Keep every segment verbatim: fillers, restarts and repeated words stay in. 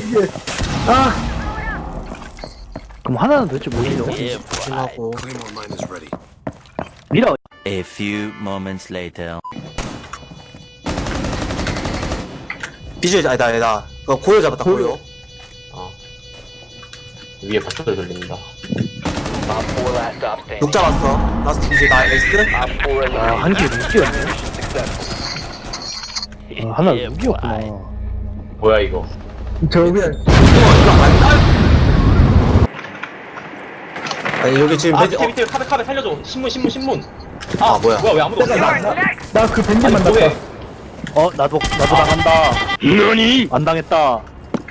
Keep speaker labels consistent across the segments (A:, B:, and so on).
A: 이게. 아.
B: 그럼 하나는 도대체 뭐예요?
C: 조심하고.
B: 밀어.
D: A few moments later.
C: 비주얼 아니다 아니다. 그거 고요 잡았다 고요.
E: 어. 위에 버튼을 돌린다.
C: 녹 잡았어. 라스트 비주얼 나 에이스.
B: 아, 한 개 무기였네. 아, 하나 무기였구나.
E: 뭐야 이거?
A: 저 그냥.
C: 아니 여기 지금
E: 아
C: 배지.
E: 밑에
C: 어,
E: 밑에 카베 카베 살려줘. 신문 신문 신문.
C: 아 뭐야?
E: 뭐야 왜 아무도 없어?
A: 나 그 벤진
E: 아니
A: 만났다.
E: 뭐해?
B: 어, 나도, 나도 나간다. 너니? 안 당했다.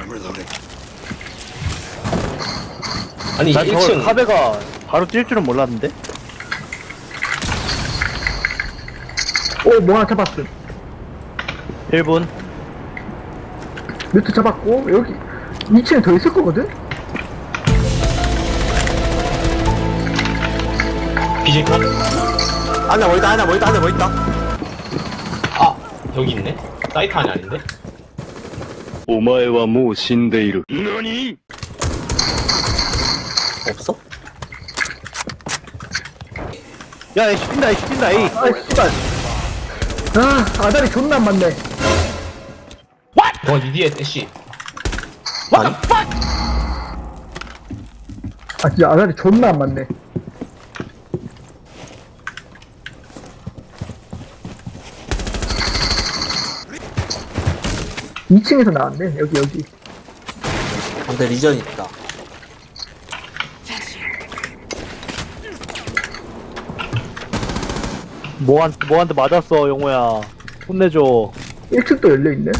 E: 아니
B: 난 저걸
E: 일 층
B: 카베가 바로 뛸 줄은 몰랐는데?
A: 오, 뭐 하나 잡았어.
B: 일 분.
A: 뮤트 잡았고, 여기 이 층에 더 있을 거거든?
E: 비질 컷?
C: 안에 뭐 있다 안에 뭐 있다 안에 뭐 있다.
E: 아 여기 있네? 사이트 안이 아닌데?
F: お前はもう死んでいる。何
C: 없어?
B: 야, 에이, 뛴다, 에이, 뛴다, 에이.
A: 아, 씨발. 아, 아다리 존나 안 맞네.
E: 어 니디에 애쉬.
C: 아니.
A: 아, 진짜 아다리 존나 안 맞네. 이 층에서 나왔네, 여기, 여기.
C: 근데 리전 있다.
B: 뭐한, 뭐한테 맞았어, 용호야. 혼내줘.
A: 일 층도 열려있네.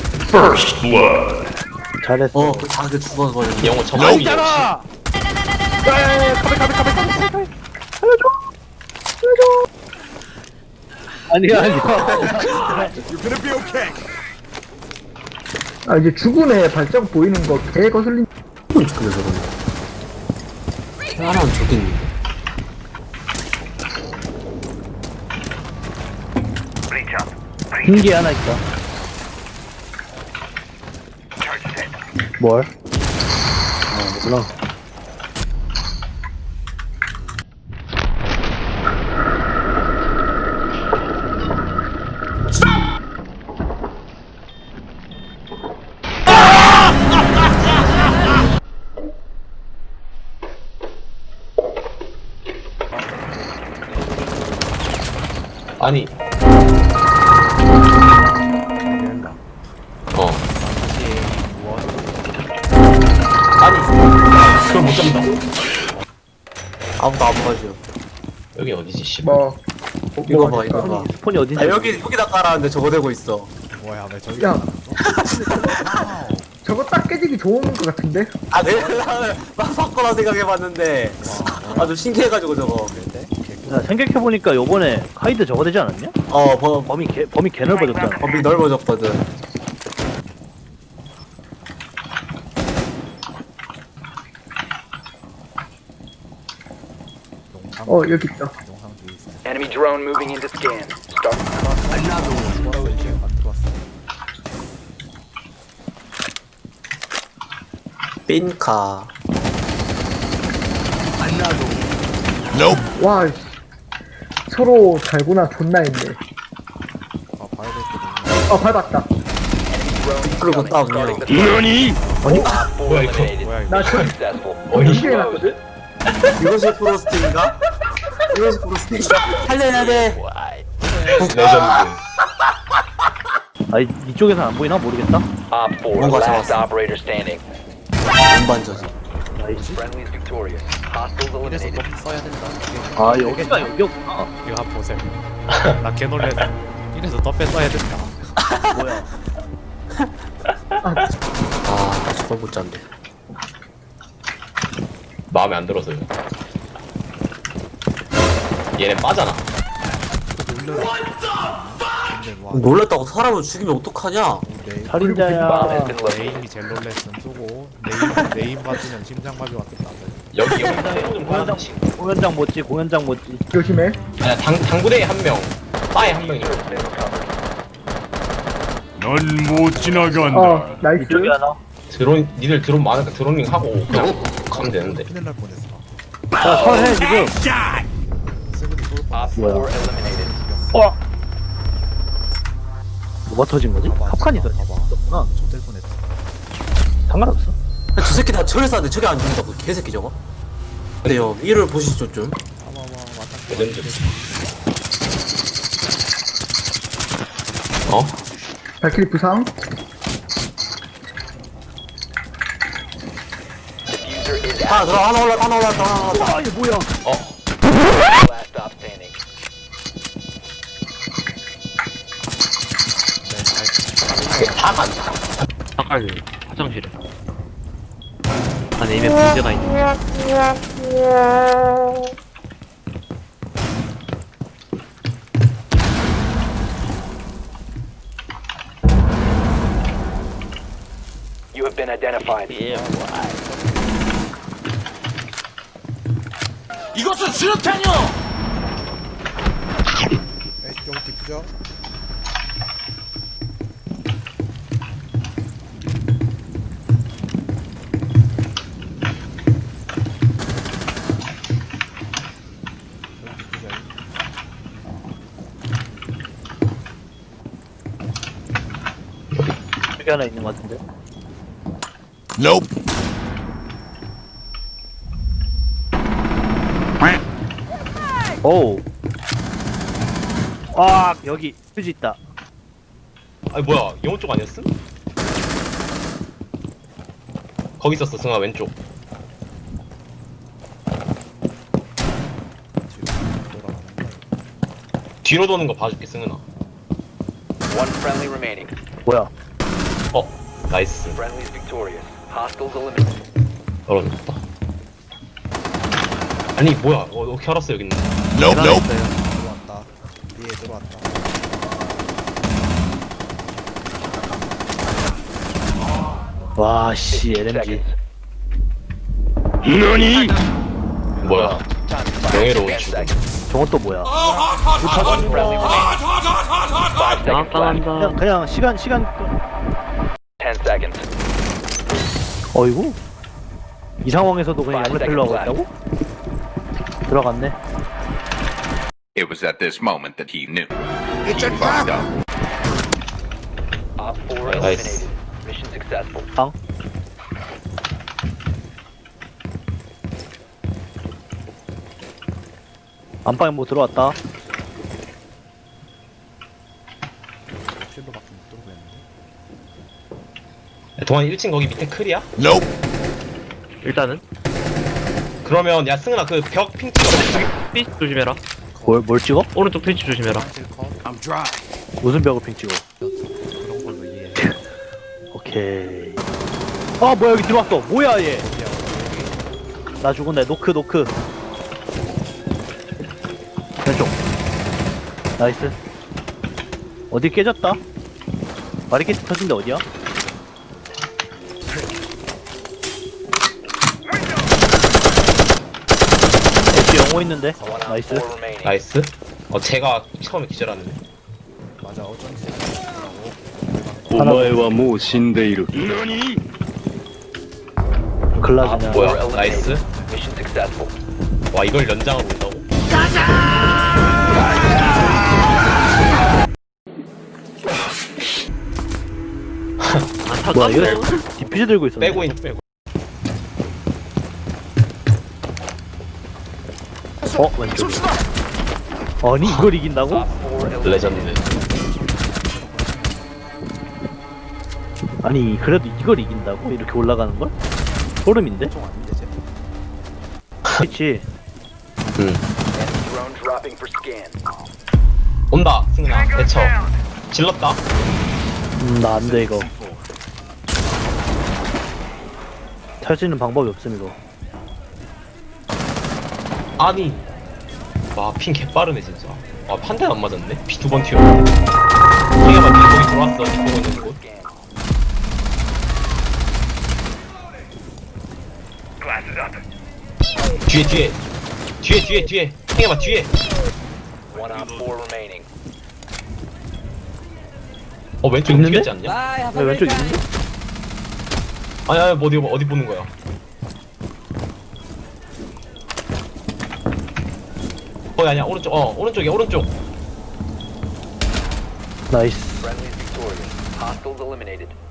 B: 잘했어.
C: 어, 그 자기 죽어서 버렸네.
E: 영어 정말
B: 있잖아! 야, 야, 야, 카베, 카베, 카베, 카베, 카베, 카베. 살려줘! 살려줘! 아니야, 아니야.
A: 아, 이제 죽은 애 발자국 보이는 거 개 거슬린.
C: 근데 저거는. 하나는 저기 있는데.
B: 흰게 하나 있다. 뭘? 아, 몰라.
E: 아니. 어. 아니. 그걸 못 잡는다.
C: 아무도 안 봐줘.
E: 여기 어디지 씨.
A: 뭐.
C: 이거 봐 이거 봐.
B: 스폰이 어딘지.
C: 아 여기 여기다 깔았는데 저거 되고 있어.
A: 야. 저거 딱 깨지기 좋은 거 같은데?
C: 아 내가 막 바꿔라 생각해봤는데 아주 신기해가지고 저거.
B: 야, 생각해보니까 요번에 카이드 저거 되지 않았냐?
C: 어 범,
B: 범위 개, 범위 개 넓어졌잖아.
C: 범위 넓어졌거든.
A: 어, 여기 있다.
G: Enemy drone moving into scan. Start.
C: 빈카.
A: 와, 씨. 서로 달구나 존나 했네. 아, 밟았다.
C: 그리고 다음이요.
F: 何
E: 뭐야 이거?
A: 나 저,
G: Successful.
A: 연기해 놨거든?
C: 이것이 프로스팅인가? 이것이 프로스팅인가? 살려야 돼.
E: 레전드.
B: 아, 이쪽에서 안 보이나 모르겠다.
G: Op four,
C: 뭔가
G: last
C: 잡았어.
G: operator standing.
C: 운반저지.
B: 나이스.
G: Friendly is victorious. Hostiles eliminated.
B: 아, 여기가 여기였구나.
H: 이거 한번 보세요. 나 개놀래서 이래서 더 뺐어야 된다.
B: 뭐야.
C: 아 저걸 못 잡네.
E: 마음에 안 들어서요. 얘네 빠잖아.
H: 근데 와
C: 놀랐다고 사람을 죽이면 어떡하냐?
G: Bomb
B: 살인자야.
G: has been located.
H: 네임이 제일 놀랬음 쓰고 네임 네임 맞으면 심장 마비 왔겠다.
E: 여기 여기 새로 좀
B: 공연장,
E: 하나씩.
B: 공연장 못지, 공연장 못지.
A: 조심해.
E: 아니 당 당구대에 한 명, 바에 한 명이.
G: Has been recovered.
F: 넌 못 지나간다.
A: 어, 나이스.
B: 이쪽에 하나.
E: 드론 니들 드론 많으니까 드로닝 하고 그냥 가면 되는데.
B: 큰일 날 뻔했어. 야, 설해 지금. 세븐이 쏠
G: Op
B: 뻔했어.
G: four eliminated.
B: 어.
I: 뭐가 터진 거지?
B: 봐봐,
I: 팝칸이
B: 봐봐, 봐봐.
I: 터졌구나.
B: 좆될 뻔했어.
I: 상관없어.
C: 저 새끼 다 철에 쐈는데 저게 안 죽는다고 개새끼 저거. 근데요 이를 보시죠 좀.
B: 봐봐, 봐봐, 맞다.
E: 레전드. 어?
A: 발키리 부상.
G: Diffuser is
C: 하나 들어 하나 올라 하나 올라 하나 올라.
I: 아, 이게 뭐야?
G: last stop standing.
E: 다 간다.
H: 아까 화장실에. 안에 이미 문제가 있네.
G: You have been identified.
B: 에이, 여기 디프죠? 여기 디프죠?
I: 여기 하나 있는 것 같은데. 오. 아, 여기 휴지 있다.
E: 아니 뭐야 영호 쪽 아니었음? 거기 있었어 승아 왼쪽.
B: 뒤로 돌아가는 거야.
E: 뒤로 도는 거 봐줄게 승은아.
G: One friendly remaining.
I: 뭐야?
E: 어 나이스.
G: Friendly is victorious. Hostiles eliminated.
E: 떨어졌다. 아니 뭐야 어, 어떻게 알았어 여기 있는.
B: 들어왔다. 위에 들어왔다.
I: 와, 씨, 엘엠지.
F: 何
E: 뭐야
G: Time to
E: 명예로운
G: ten
E: 죽음.
G: seconds.
I: 저건 또 뭐야?
G: One friendly remaining. Five seconds left.
I: 그냥, 그냥 시간, 시간. 끄-
G: Ten seconds.
I: 어이구. 이 상황에서도 그냥
G: Five
I: 양레펠로 하고
G: seconds
I: 있다고? 들어갔네.
J: It was at this moment that he knew. He fucked up.
G: Op four
E: Nice.
G: eliminated. Mission successful.
I: 방. 안방에 뭐 들어왔다.
B: 쉴로밖에 못 들고 있는데.
E: 야, 동환이 일 층 거기 밑에 클이야?
H: 일단은
E: 그러면 야 승은아 그 벽 핑 찍어.
H: 트위치 조심해라.
I: 뭘, 뭘 찍어?
H: 오른쪽 트위치 조심해라.
B: 화장실 컷.
I: 무슨 벽을 핑 찍어?
B: 그런 걸로 이해해.
I: 오케이. 아, 뭐야, 여기 들어왔어. 뭐야, 얘. 나 죽었네. 노크, 노크. 왼쪽. 나이스. 어디 깨졌다? 바리케이트 터진데 어디야? 엣지 영호 있는데?
G: One op
I: 나이스.
G: four remaining.
E: 나이스. 어 제가 처음에 기절하네.
B: 맞아, 어쩐지.
F: お前はもう死んでいる。
E: 아
I: 글라즈냐.
E: 뭐야
G: Four
E: 나이스.
G: eliminated. Mission successful.
E: 와 이걸 연장으로 온다고?
I: 뭐야, 이거 디퓨즈 들고 있었네.
E: 빼고 있 빼고.
I: 어, 왼쪽. 아니, 이걸 이긴다고?
G: Op four eliminated.
E: 레전드.
I: 아니, 그래도 이걸 이긴다고? 이렇게 올라가는 걸? 소름인데?
B: 총 아닌데, 쟤.
I: 그치.
E: 응.
G: Enemy drone dropping for scan.
E: 온다 승은아 대처. 질렀다.
I: 음, 나 안 돼, 이거. 탈 수 있는 방법이 없음, 이거.
E: 아니. 와 핑 개빠르네 진짜. 와 한 대도 안 맞았네. 피 두 번 튀어. 핑이 막 거기 들어왔어. 뒷부분 있는 곳. 뒤에 뒤에 뒤에 뒤에 뒤에 핑해봐 뒤에.
G: One op four remaining.
E: 어 왼쪽
I: 있는데?
E: 튀었지 않냐?
I: 왜 왼쪽 있는데?
E: 아니 아니 뭐 어디 어디 보는 거야? 거기 아니야 오른쪽 어 오른쪽이야 오른쪽.
I: 나이스.
G: Friendly is victorious. Hostiles eliminated.